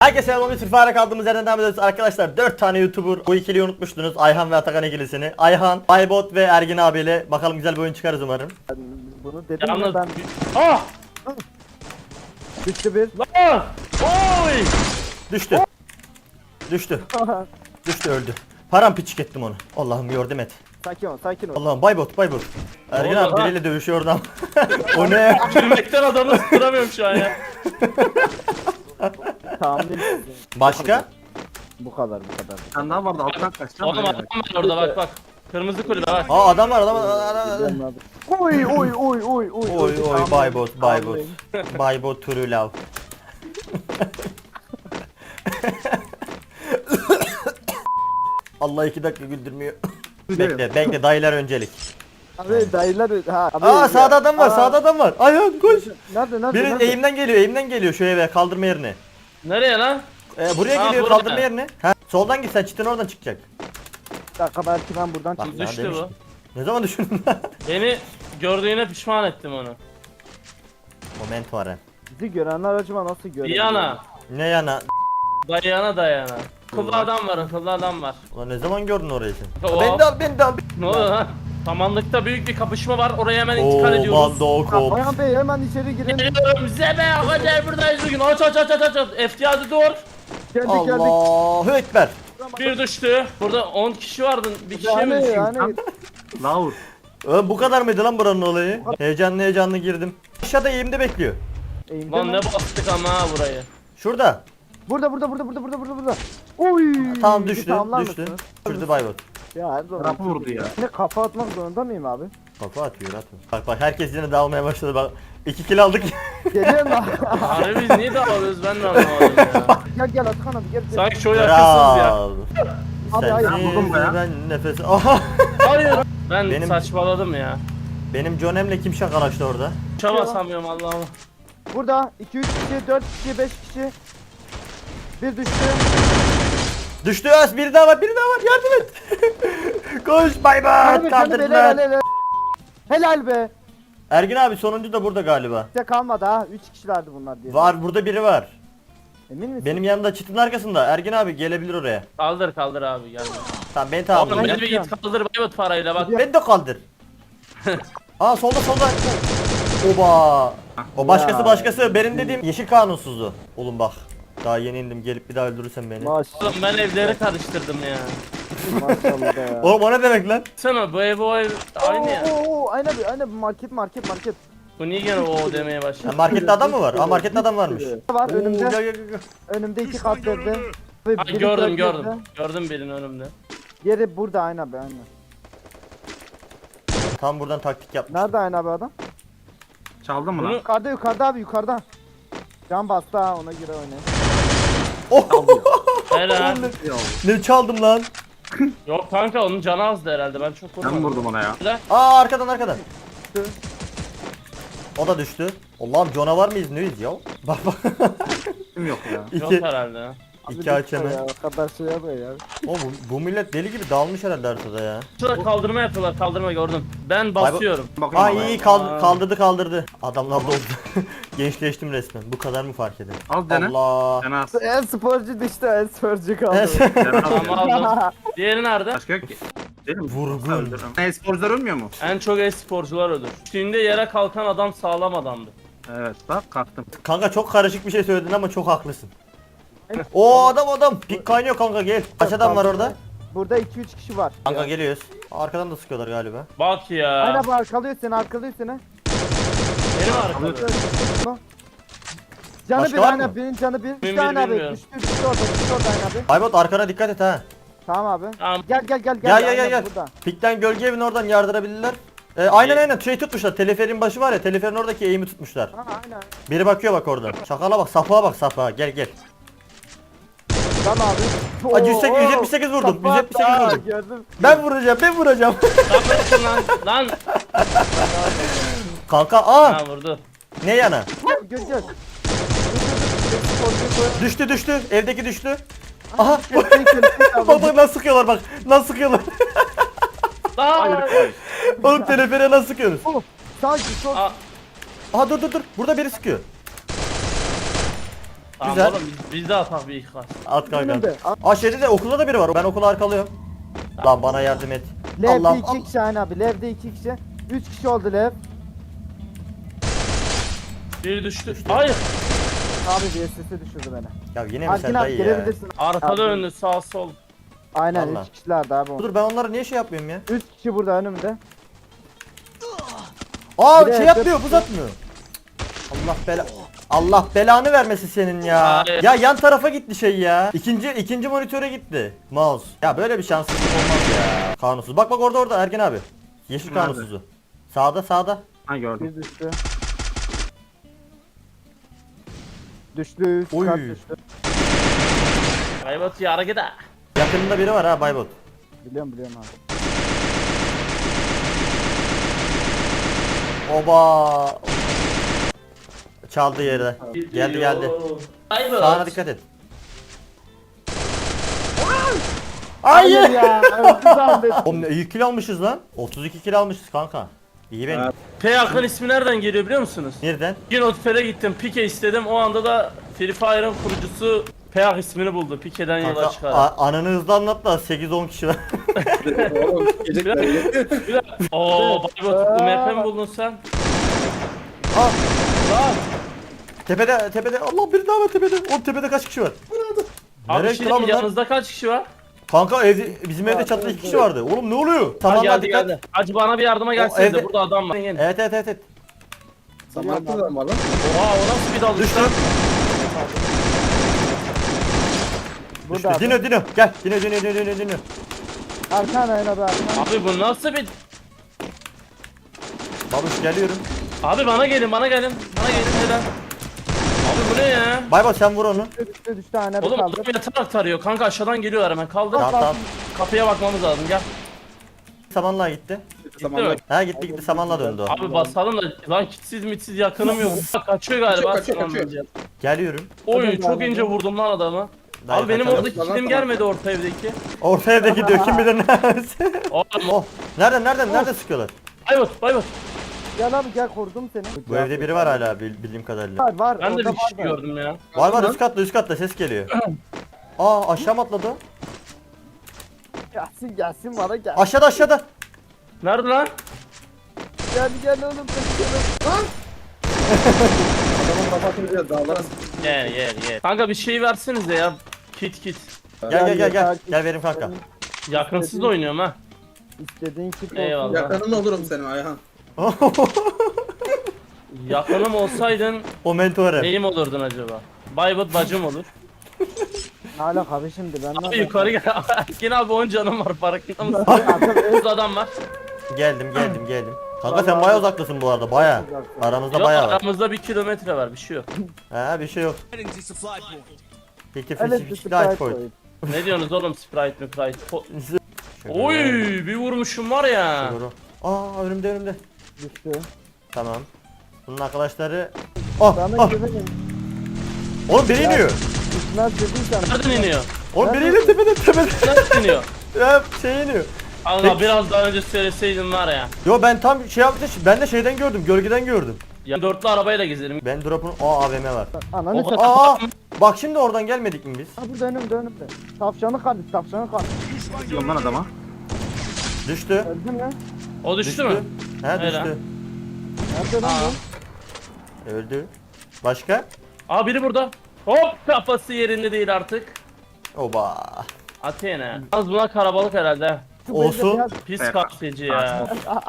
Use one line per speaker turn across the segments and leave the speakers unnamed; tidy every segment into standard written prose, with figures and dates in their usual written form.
Herkese selam, bir fare kaldığımız yerden devam ediyoruz arkadaşlar. 4 tane YouTuber, bu ikiliyi unutmuştunuz, Ayhan ve Atakan ikilisini. Ayhan, Baybot ve Ergin abiyle bakalım güzel bir oyun çıkarız umarım.
Bunu dedim
Yalnız...
ya ben.
Ah!
Düştü bir.
Lan! Oy!
Düştü. Düştü. Düştü, öldü. Paramparçık ettim onu. Allah'ım yardım et.
Sakin ol, sakin ol.
Allah'ım Baybot. Ergin
oldu
abi
lan?
biriyle dövüşüyor oradan. O ne?
Gülmekten adamı tutturamıyorum şu an ya.
Tahmin
Başka?
bu kadar.
Sen daha vardı alttan kaçacağım.
Oğlum adam var orada bak. Kırmızı kulübe bak.
Aa adam var.
Oy.
Oy Baybot. Baybot true love. Allah 2 dakika güldürmüyor. Bekle dayılar öncelik.
Abi dayılar ha. Abi,
Aa sağda adam var, sağda adam var. Ayhan koş.
Nerede?
Biri eğimden geliyor şu eve, kaldırma yerine.
Nereye lan?
Buraya
Ha,
geliyor,
buraya.
kaldırma yerine. Ha, soldan git, sen çitin oradan çıkacak.
Bir dakika belki ben buradan
Bak,
çıkacağım.
Düştü
demiştim.
bu.
Ne zaman düşündün lan?
Beni gördüğüne pişman ettim onu.
Moment var ha.
Bizi görenler acaba nasıl görüyor?
Diana.
Ne yana?
Dayana. Kıllı adam var.
Ulan ne zaman gördün orayı sen?
Oo.
Beni de al.
Ne oluyor lan? Samanlıkta büyük bir kapışma var. Oraya hemen intikal
Oo,
ediyoruz.
bando kop.
Ayhan Bey hemen içeri girin.
Geliyorum Zebe. Hadi buradayız bugün. Aç. Eftiyatı dur.
Geldik.
Allahu Ekber.
Bir düştü. Burada 10 kişi vardı. Bir kişiye mi düştü?
Yani
Laur.
Bu kadar mıydı lan buranın olayı? Heyecanlı girdim. Aşağıda eğimde bekliyor.
eğimde
Lan
mi?
ne bastık ama ha burayı.
Şurada.
Burada. Oy.
Tamam düştü.
Tamamlar
Düştü.
mısınız?
Düşürdü Baybot.
Ya her zaman.
Tarafı vurdu ya.
Ne kafa atmak zorunda mıyım abi?
Kafa atıyor atma. Bak herkes yine dağılmaya başladı bak. 2 kill aldık.
Geliyorum lan.
Abi biz niye dağılıyoruz ben de anlamadım ya.
Gel Atakan abi gel.
Sanki şov yapıyorsunuz ya.
Bravo.
Abi, hayır,
vurdum be ya.
Ben nefes. Aha.
Hayır. Ben
Benim-
saçmaladım ya.
Benim John Em'le kim şakalaştı orada?
Uçamasamıyorum Allah'ım.
Burada 2 3 kişi, 4 kişi, 5 kişi. Bir düştü.
Düştü az, biri daha var yardım et. Koş Baybot
Helal
kaldırdılar.
Helal be.
Ergin abi sonuncu da burada galiba.
Size kalmadı ha. 3 kişilerdi bunlar diye.
Var burada biri var.
Emin misin?
Benim yanımda çitin arkasında. Ergin abi gelebilir oraya.
Kaldır abi gel.
Tamam beni
Oğlum
tamam.
beni bir git kaldır Baybot parayla bak.
Beni de kaldır. Aa solda. Oba. O başkası. Benim dediğim yeşil kanunsuzdu. Oğlum bak. Daha yeni indim, gelip bir daha öldürürsen beni.
Oğlum ben evleri karıştırdım ya.
Maşallah ya.
Oğlum o ne demek lan?
Sana bu ev o ev aynı ya.
Oo, aynen market.
Bu niye gene o demeye
Ha,
başladı?
markette adam mı var? Aa markette adam varmış.
Var
Oo,
önümde.
gel.
Önümde 2 kat verdi.
Ha, gördüm. Gördüm birini önümde.
Yeri burada aynen abi aynen.
Tam buradan taktik yapmış.
Nerede aynen abi adam?
Çaldın mı lan?
Bunu
Yukarıda abi yukarıda. Can bastı ha ona göre oynayın.
Oh!
helal.
Ne çaldım lan?
Yok kanka onun canı azdı herhalde ben çok
Ben
vurmadım.
vurdum ona ya.
Helal.
Aa arkadan. O da düştü. Allah'ım canavar mıyız neyiz ya? Bak.
Kim yok ya.
Yok
İki
herhalde ya.
aç hemen.
Ya, o kadar şey yapıyor ya.
Oğlum bu millet deli gibi dağılmış herhalde haritada ya.
Şurada kaldırma yapıyorlar kaldırma gördüm. Ben basıyorum.
Bakayım
Aa
ama
iyi
ya.
kaldırdı. Adamlar doldu. Gençleştim resmen. Bu kadar mı fark eder?
Al dene.
Allah.
Dene az.
En sporcu düştü en sporcu kaldı.
Dene az.
Tamam aldım. Diğeri nerede?
Başka yok ki. Değil mi?
Vurgun.
E-sporcular ölmüyor mu?
En çok e-sporcular ölür. Üstünde yere kalkan adam sağlam adamdı.
Evet bak kalktım.
Kanka çok karışık bir şey söyledin ama çok haklısın. O adam. Pik kaynıyor kanka gel. Kaç adam var orada?
Burada 2-3 kişi var.
Kanka geliyoruz. Arkadan da sıkıyorlar galiba.
Bak ya.
Aynen bu arkalıyor seni.
Benim arkamda.
Canı
Başka
bir
var
aynen
mı?
birinin canı bir.
Bir
Bir tane abi.
bilmiyorum.
Düştü orada aynen abi.
Baybot arkana dikkat et ha.
Tamam abi.
Tamam.
Gel.
Gel.
Burada.
Pikten gölge evini oradan yardırabilirler. Aynen şey tutmuşlar. Teleferin başı var ya. Teleferin oradaki eğimi tutmuşlar.
Ha aynen.
Biri bakıyor bak oradan. Şakala bak, sapığa. Gel.
Tamam abi.
Aa, 178 vurdum. 178 vurdum.
Gördüm.
Ben vuracağım.
Lan.
Kanka
Ha vurdu.
ne yana?
Gör.
Düştü. Evdeki düştü. Aha.
Baba.
Baba nasıl sıkıyorlar bak. Nasıl sıkıyorlar.
Lan.
Oğlum telefere nasıl sıkıyorsunuz?
Sanki çok.
Aa,
Aha dur. Burada biri sıkıyor.
Tamam
Güzel.
oğlum biz de atak bir ikaz.
At kanka.
Önümde.
Aa şeyde de okulda da biri var. Ben okulu arkalıyorum. Lan bana yardım et.
Lev'de
Allah'ım.
2 kişi aynı abi. Lev'de 2 kişi. 3 kişi oldu Lev.
Biri düştü. Hayır.
Abi bir sesi düşürdü beni.
Ya yine mi
Arkin
sen
abi
dayı ya?
gelebilirsin.
Arkada
Abi.
önlü sağ sol.
Aynen
Vallahi.
3 kişilerdi abi.
Dur ben onlara niye şey yapmıyorum ya?
3 kişi burada önümde.
Aa
Bir de
şey yapmıyor, buz atmıyor. Allah belanı vermesi senin ya.
Hayır.
Ya yan tarafa gitti şey ya. İkinci monitöre gitti mouse. Ya böyle bir şanssızlık olmaz ya. Kanunsuz. Bak orada Ergen abi. Yeşil
Nerede?
kanunsuzu. Sağda.
Ha gördüm.
Bir düştü. Düştü. Üst
Oy.
kat düştü.
Kaybat ya hareket ha.
Yakınında biri var ha Baybot.
Biliyorum abi.
Oba. Çaldı yere. Geldi.
Kaybat.
Sağına dikkat et.
Hayır
Hayır.
ya. öldü zahmet.
Oğlum ne iyi kill almışız lan. 32 kill almışız kanka. İyi benim.
Evet.
P yakın ismi nereden geliyor biliyor musunuz?
Nereden?
Bir notfere gittim, Pike istedim. O anda da Free Fire'ın kurucusu Peyak ismini buldu. Pike'den yola
Kanka
çıkarak.
ananı hızlı anlat da 8-10 kişi var.
Oğlum gecik belli.
Ooo Baybot bu MP mi buldun sen?
Aa,
Lan!
tepede Allah bir daha var tepede. Oğlum tepede kaç kişi var?
Abi
Nereye
şey
gitti lan bunlar?
yanınızda kaç kişi var?
Kanka bizim evde çatıda 2 kişi vardı. Oğlum ne oluyor?
Ha,
Tamam
geldi
dikkat.
geldi. Hacı bana bir yardıma gelsene
evde-
de burada adam var. Gelin.
Evet.
Samanlıkta da mı var lan?
Oha o nasıl bir dalış
Düştü.
lan?
Düştü.
Burada abi.
Dino gel. Dino.
Arkan aynen abi arkan.
Abi bu nasıl bir...
Babuş geliyorum.
Abi bana gelin. Bana gelin neden? Abi bu ne ya?
Baybot sen vur onu.
Düştü aynen bir
Oğlum
kaldı.
adam yatarak tarıyor. Kanka aşağıdan geliyorlar hemen. Kaldır.
Tamam.
Kapıya bakmamız lazım. Gel.
Samanla gitti.
Samanlık.
mi?
Ha gitti samanla döndü o.
Abi basalım da lan kitsiz mitsiz yakınım yok. Kaçıyor galiba.
Kaçıyor.
Tamam.
Geliyorum.
Oy çok ince vurdum lan adamı.
Dayı
Abi benim
kaçalım.
oradaki kilim gelmedi orta evdeki.
Orta evde gidiyor kim bilir neresi.
Oğlum
Oh. Nereden sıkıyorlar?
Baybot.
Gel abi gel korudum seni.
Bu evde biri var hala bildiğim kadarıyla.
Var.
Ben de
orada
bir kişi
var da.
gördüm ya.
Var üst katta ses geliyor. Aa aşağı mı atladı? o?
Gelsin bana gel.
Aşağıda.
Nerede lan?
Gel oğlum kaçıyorum.
Adamın kafasını biraz dağlara
Gel. Kanka bir şey versenize ya. Kit.
Gel.
Gel.
Gel verim kanka.
Yakınsız da oynuyorum ha.
İstediğin kit olsun.
Eyvallah.
yakının olurum senin Ayhan.
Yakınım olsaydın
O mentore.
neyim olurdun acaba? Baybot bacım olur.
Ne alaka abi şimdi ben
Abi yukarı gel. Yine abi 10 canım var farkında mısın? Burada adam var.
Geldim. Kanka sen baya uzaktasın bu arada baya. Aramızda
Yok
baya var.
aramızda 1 kilometre var bir şey yok.
Ha bir şey yok. Peki
Evet
fişi
bir
Sprite
sprite
koy.
koy.
Ne diyorsunuz oğlum Sprite mi Sprite?
Şöyle.
Oy bir vurmuşum var ya.
Doğru. Aa önümde.
Düştü.
Tamam. Bunun arkadaşları. Ah
Sana
ah.
güvenin.
Oğlum biri iniyor.
Düşmez dediysen.
Nereden iniyor?
Oğlum biri iniyor tepede.
Nereden iniyor?
Ya şey iniyor.
Allah biraz daha önce söyleseydin var ya.
Yo ben tam şey yaptım. Ben de şeyden gördüm. Gölgeden gördüm.
Ya dörtlü arabayla gezerim.
Ben drop'un AVM var.
Ananı
O-
satayım.
Aa bak şimdi oradan gelmedik mi biz?
Ha burada önümde. Tavşanı kaldı.
Diyorum lan adama.
Düştü.
Öldün lan.
O düştü mü?
He
Öyle.
düştü.
Nerede lan bu?
Öldü. Başka?
Aa biri burada. Hop kafası yerinde değil artık.
Oba.
Athena. Az buna karabalık herhalde.
Şu
Olsun.
beyze biraz-
Pis
Evet.
kapsayıcı ya.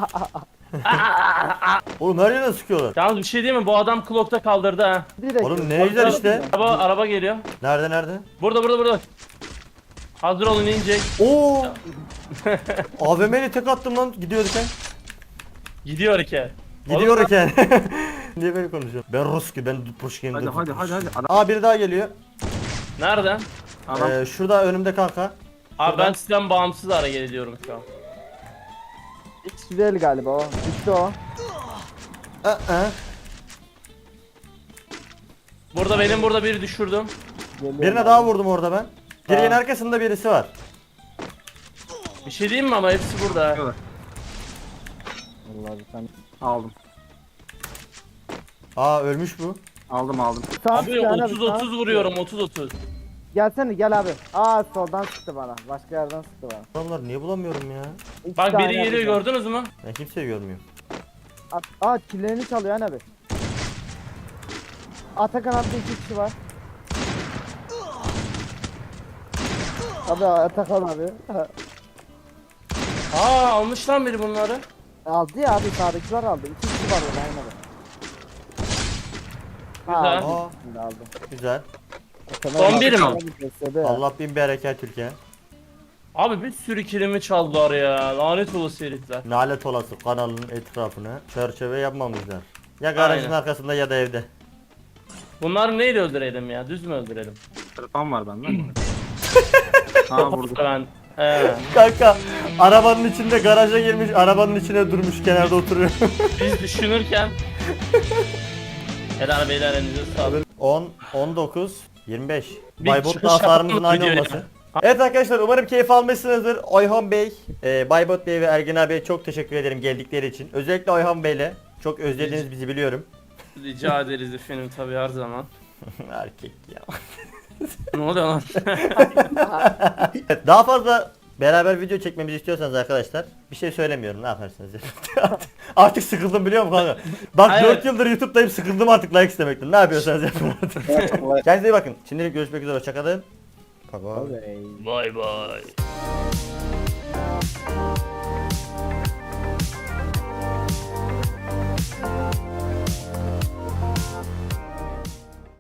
Oğlum her yerden sıkıyorlar.
Yalnız bir şey değil mi? Bu adam Clock'ta kaldırdı ha.
Direkt.
Oğlum ne güzel işte.
Araba geliyor.
Nerede?
Burada. Hazır olun inecek.
Oo. AVM'yle tek attım lan gidiyorduk.
Gidiyor ki.
Gidiyorken. Niye böyle konuşuyorum? Ben Ruski, ben Pushkin.
Hadi. Adam.
Aa biri daha geliyor.
Nerede?
Adam.
Şurada önümde kanka.
Abi ben sizden bağımsız hareket ediyorum şu an.
X değil galiba o. Düştü o.
Benim burada biri düşürdüm.
Geliyor
Birine
abi.
daha vurdum orada ben. Direğin
Aa.
arkasında birisi var.
Bir şey diyeyim mi ama hepsi burada. ha.
Vallahi bir tane.
Aldım.
Aa ölmüş bu.
Aldım aldım.
Sağ
Abi
sıkıyor,
30-30 vuruyorum 30-30.
Gelsene gel abi. Aa soldan sıktı bana. Başka yerden sıktı bana.
Adamlar niye bulamıyorum ya?
İki
Bak
tane
biri geliyor
yapacağım.
gördünüz mü?
Ben kimseyi görmüyorum.
Aa killerini çalıyor abi. Atakan abi 2 kişi var. Abi Atakan abi.
Aa almış lan biri bunları.
Aldı ya abi sağdakiler aldı. 2 kişi var orada aynı abi.
Güzel.
Aldı.
Aa,
Şimdi aldı.
güzel.
Atakan
Son
abi
biri mi?
abi besledi ya.
Allah bin bereket Türkiye.
Abi bir sürü kilimi çaldılar ya. Lanet olası herifler.
Nalet olası kanalın etrafına çerçeve yapmamışlar. Ya garajın
Aynen.
arkasında ya da evde.
Bunları neyle öldürelim ya? Düz mü öldürelim?
Telefon var bende. Aa vurdu.
Ben he.
Kanka arabanın içinde garaja girmiş, arabanın içine durmuş kenarda oturuyor.
Biz düşünürken Helal beyler elinize sağlık.
10, 19, 25.
Bir
Baybot'la
çıkış
hasarımızın
yapalım
aynı
videoya.
olması. Evet arkadaşlar umarım keyif almışsınızdır. Oyhan Bey, Baybot Bey ve Ergin abiye çok teşekkür ederim geldikleri için. Özellikle Oyhan Bey'le çok özlediniz bizi biliyorum.
Rica ederiz efendim tabii her zaman.
Erkek ya.
Ne oluyor lan?
Evet, daha fazla beraber video çekmemizi istiyorsanız arkadaşlar bir şey söylemiyorum ne yaparsınız artık sıkıldım biliyor musun kanka? Bak
Evet.
4 yıldır YouTube'dayım sıkıldım artık like istemekten. Ne yapıyorsanız yapın artık. Kendinize iyi bakın. Şimdilik görüşmek üzere hoşçakalın. Bye bye.
Abi.
Bay bay.